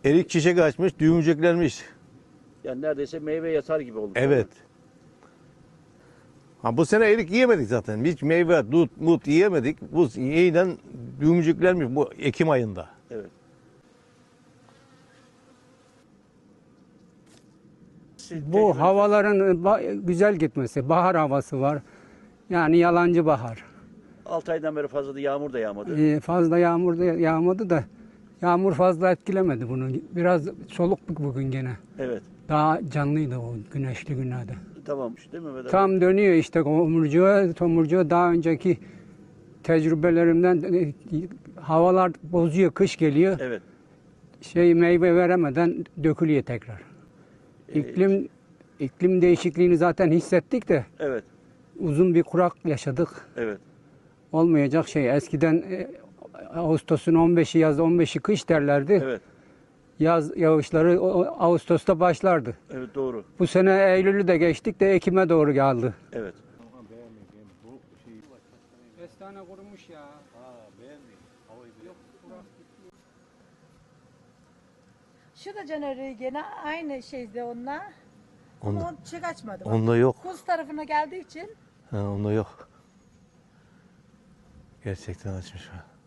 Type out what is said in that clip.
Erik çiçek açmış, düğümcüklenmiş. Yani neredeyse meyve yatar gibi oldu. Evet. Ha, bu sene erik yiyemedik zaten. Hiç meyve, dut, mut yiyemedik. Bu yeniden düğümcüklenmiş bu Ekim ayında. Evet. Bu havaların güzel gitmesi, bahar havası var. Yani yalancı bahar. 6 aydan beri fazla da yağmur da yağmadı. Fazla yağmur da yağmadı da yağmur fazla etkilemedi bunu. Biraz soluk bugün gene. Evet. Daha canlıydı o güneşli günlerde. Tamammış değil mi Mehmet abi? Tam dönüyor işte tomurcuğa daha önceki tecrübelerimden havalar bozuyor, kış geliyor. Evet. Meyve veremeden dökülüyor tekrar. İklim değişikliğini zaten hissettik de Evet. uzun bir kurak yaşadık. Evet. Olmayacak şey. Eskiden Ağustos'un 15'i yaz, 15'i kış derlerdi. Evet. Yaz yağışları Ağustos'ta başlardı. Evet doğru. Bu sene Eylül'ü de geçtik de Ekim'e doğru geldi. Evet. Kestane kurumuş ya. Şu da Caner'i gene aynı şeyde onunla. Ama Onda, o çiçek açmadı. Bak. onda yok. Kuz tarafına geldiği için Ha, onda yok. Gerçekten açmış.